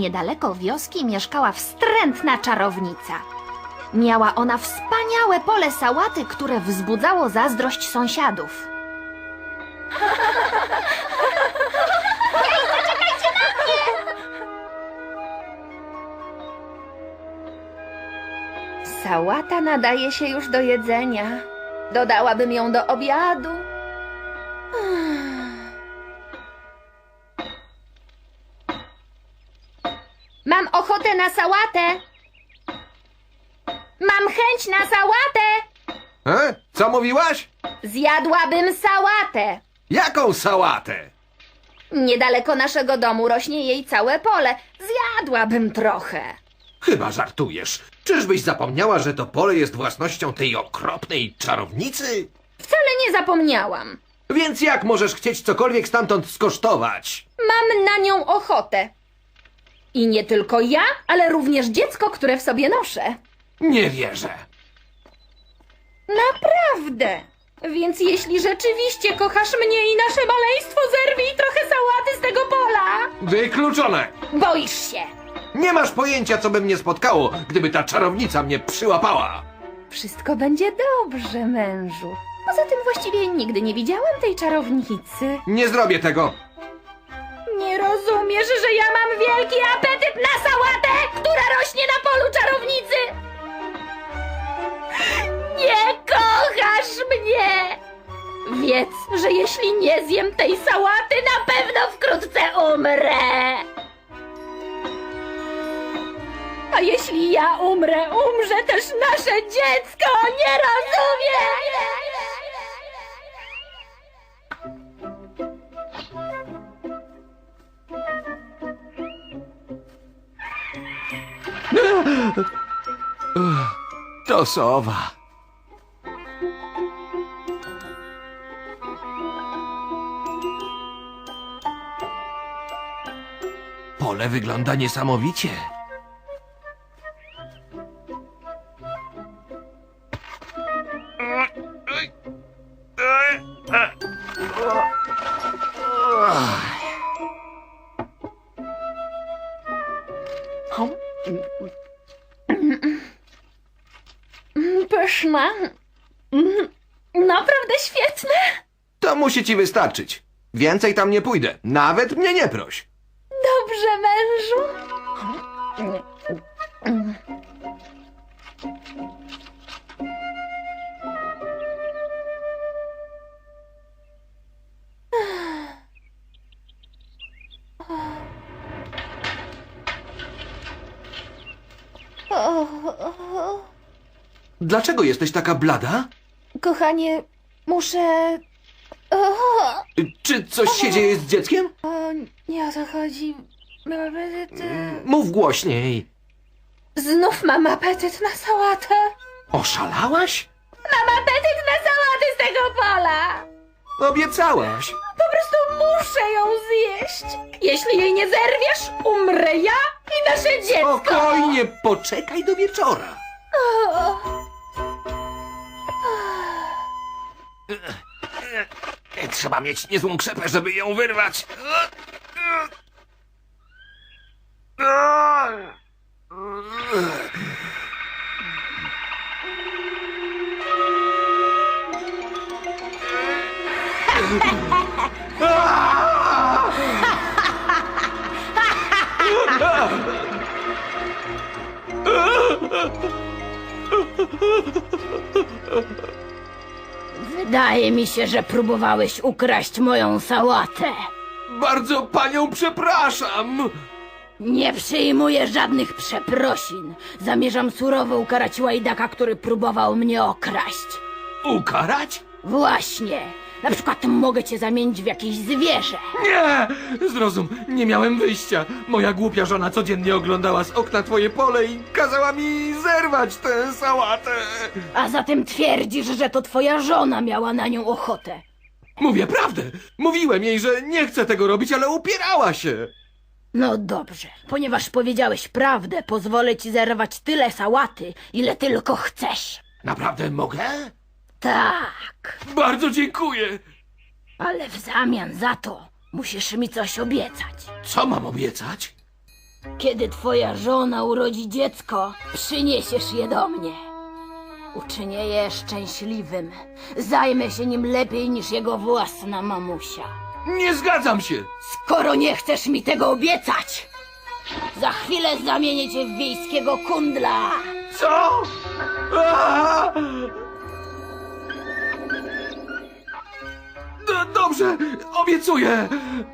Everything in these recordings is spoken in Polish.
Niedaleko wioski mieszkała wstrętna czarownica. Miała ona wspaniałe pole sałaty, które wzbudzało zazdrość sąsiadów. Sałata nadaje się już do jedzenia. Dodałabym ją do obiadu. Mam ochotę na sałatę. Mam chęć na sałatę. Co mówiłaś? Zjadłabym sałatę. Jaką sałatę? Niedaleko naszego domu rośnie jej całe pole. Zjadłabym trochę. Chyba żartujesz. Czyżbyś zapomniała, że to pole jest własnością tej okropnej czarownicy? Wcale nie zapomniałam. Więc jak możesz chcieć cokolwiek stamtąd skosztować? Mam na nią ochotę. I nie tylko ja, ale również dziecko, które w sobie noszę. Nie wierzę. Naprawdę. Więc jeśli rzeczywiście kochasz mnie i nasze maleństwo, zerwij trochę sałaty z tego pola. Wykluczone! Boisz się. Nie masz pojęcia, co by mnie spotkało, gdyby ta czarownica mnie przyłapała. Wszystko będzie dobrze, mężu. Poza tym właściwie nigdy nie widziałam tej czarownicy. Nie zrobię tego. Nie rozumiesz, że ja mam wielki apetyt na sałatę, która rośnie na polu czarownicy? Nie kochasz mnie! Wiedz, że jeśli nie zjem tej sałaty, na pewno wkrótce umrę! A jeśli ja umrę, umrze też nasze dziecko! Nie rozumiem! To sowa. Pole wygląda niesamowicie. Pyszne. Naprawdę świetne. To musi ci wystarczyć. Więcej tam nie pójdę. Nawet mnie nie proś. Dobrze, mężu. Dlaczego jesteś taka blada? Kochanie, muszę... Czy coś się dzieje z dzieckiem? Nie o to chodzi. Mów głośniej. Znów mam apetyt na sałatę. Oszalałaś? Mam apetyt na sałatę z tego pola. Obiecałaś. Po prostu muszę ją zjeść. Jeśli jej nie zerwiesz, umrę ja i nasze dziecko. Spokojnie, poczekaj do wieczora. Trzeba mieć niezłą krzepę, żeby ją wyrwać. Wydaje mi się, że próbowałeś ukraść moją sałatę. Bardzo panią przepraszam. Nie przyjmuję żadnych przeprosin. Zamierzam surowo ukarać łajdaka, który próbował mnie okraść. Ukarać? Właśnie. Na przykład mogę cię zamienić w jakieś zwierzę. Nie! Zrozum, nie miałem wyjścia. Moja głupia żona codziennie oglądała z okna twoje pole i kazała mi zerwać tę sałatę. A zatem twierdzisz, że to twoja żona miała na nią ochotę. Mówię prawdę. Mówiłem jej, że nie chcę tego robić, ale upierała się. No dobrze, ponieważ powiedziałeś prawdę, pozwolę ci zerwać tyle sałaty, ile tylko chcesz. Naprawdę mogę? Tak, Bardzo dziękuję. ale w zamian za to musisz mi coś obiecać. Co mam obiecać? Kiedy twoja żona urodzi dziecko, przyniesiesz je do mnie. Uczynię je szczęśliwym. Zajmę się nim lepiej niż jego własna mamusia. Nie zgadzam się! Skoro nie chcesz mi tego obiecać, za chwilę zamienię cię w wiejskiego kundla. Co? Aaa! Dobrze, obiecuję!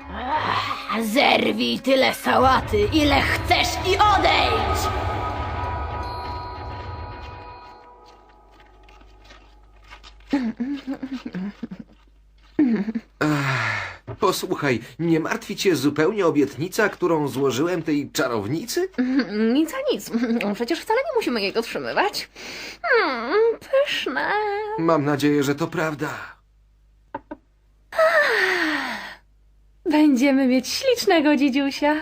Zerwij tyle sałaty, ile chcesz i odejdź! Posłuchaj, nie martwi cię zupełnie obietnica, którą złożyłem tej czarownicy? Nic a nic. Przecież wcale nie musimy jej dotrzymywać. Pyszne. Mam nadzieję, że to prawda. Będziemy mieć ślicznego dzidziusia.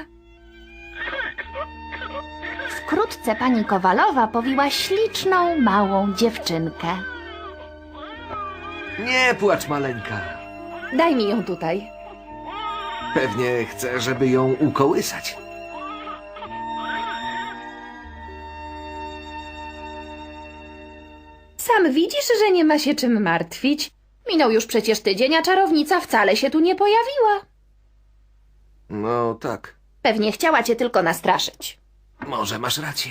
Wkrótce pani Kowalowa powiła śliczną, małą dziewczynkę. Nie płacz, maleńka. Daj mi ją tutaj. Pewnie chcę, żeby ją ukołysać. Sam widzisz, że nie ma się czym martwić. Minął już przecież tydzień, a czarownica wcale się tu nie pojawiła. No tak, Pewnie chciała cię tylko nastraszyć. może masz rację.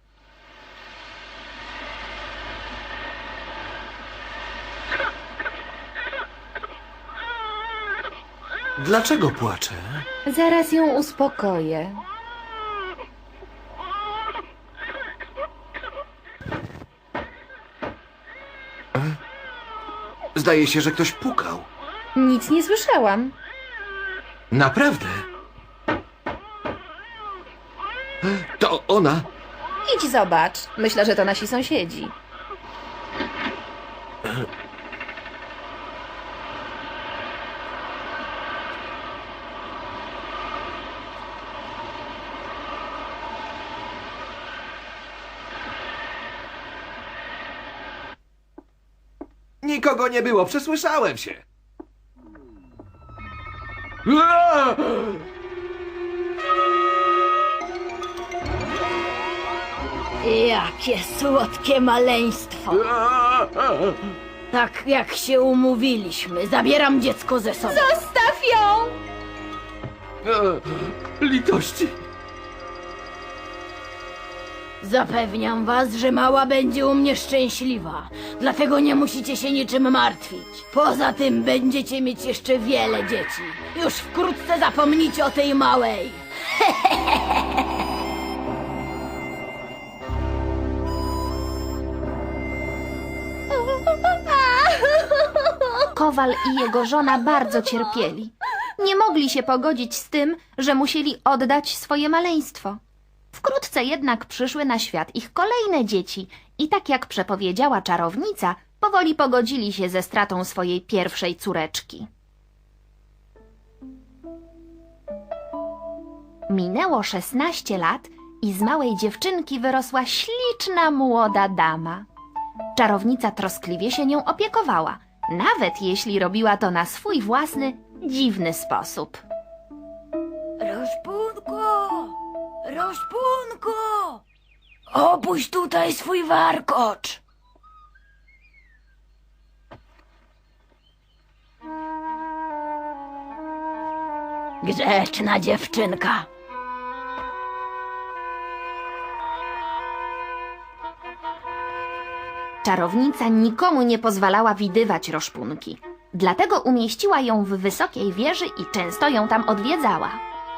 Dlaczego płaczę? Zaraz ją uspokoję. Zdaje się, że ktoś pukał. Nic nie słyszałam. Naprawdę? To ona? Idź zobacz. Myślę, że to nasi sąsiedzi. Nikogo nie było, przesłyszałem się. Aaa! Jakie słodkie maleństwo. Aaa! Tak jak się umówiliśmy, zabieram dziecko ze sobą. Zostaw ją! Litości! Zapewniam was, że mała będzie u mnie szczęśliwa. Dlatego nie musicie się niczym martwić. Poza tym będziecie mieć jeszcze wiele dzieci. Już wkrótce zapomnicie o tej małej. Kowal i jego żona bardzo cierpieli. Nie mogli się pogodzić z tym, że musieli oddać swoje maleństwo. Wkrótce jednak przyszły na świat ich kolejne dzieci i tak jak przepowiedziała czarownica, powoli pogodzili się ze stratą swojej pierwszej córeczki. Minęło 16 lat i z małej dziewczynki wyrosła śliczna młoda dama. Czarownica troskliwie się nią opiekowała, nawet jeśli robiła to na swój własny, dziwny sposób. Roszpunko! Roszpunko! Opuść tutaj swój warkocz! Grzeczna dziewczynka. Czarownica nikomu nie pozwalała widywać Roszpunki. Dlatego umieściła ją w wysokiej wieży i często ją tam odwiedzała.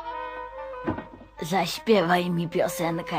Zaśpiewaj mi piosenkę.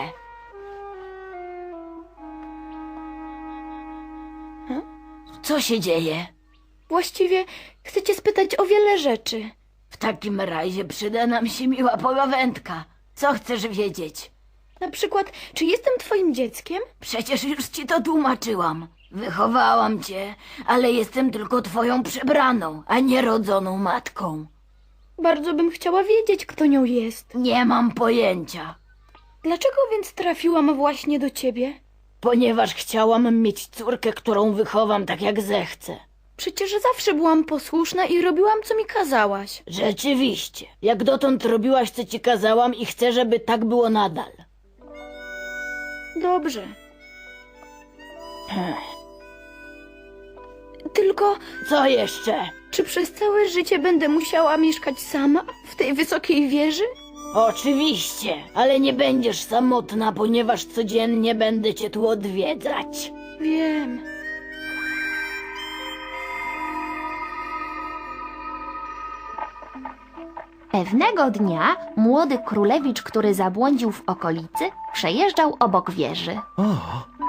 Co się dzieje? Właściwie chcę cię spytać o wiele rzeczy. W takim razie przyda nam się miła pogawędka. Co chcesz wiedzieć? Na przykład, czy jestem twoim dzieckiem? Przecież już ci to tłumaczyłam. Wychowałam cię, ale jestem tylko twoją przebraną, a nie rodzoną matką. Bardzo bym chciała wiedzieć, kto nią jest. Nie mam pojęcia, Dlaczego więc trafiłam właśnie do ciebie? ponieważ chciałam mieć córkę, którą wychowam tak jak zechcę. Przecież zawsze byłam posłuszna i robiłam, co mi kazałaś. Rzeczywiście, jak dotąd robiłaś, co ci kazałam i chcę, żeby tak było nadal. Dobrze. Tylko, Co jeszcze? czy przez całe życie będę musiała mieszkać sama w tej wysokiej wieży? Oczywiście, ale nie będziesz samotna, ponieważ codziennie będę cię tu odwiedzać. Wiem. Pewnego dnia młody królewicz, który zabłądził w okolicy, przejeżdżał obok wieży. O,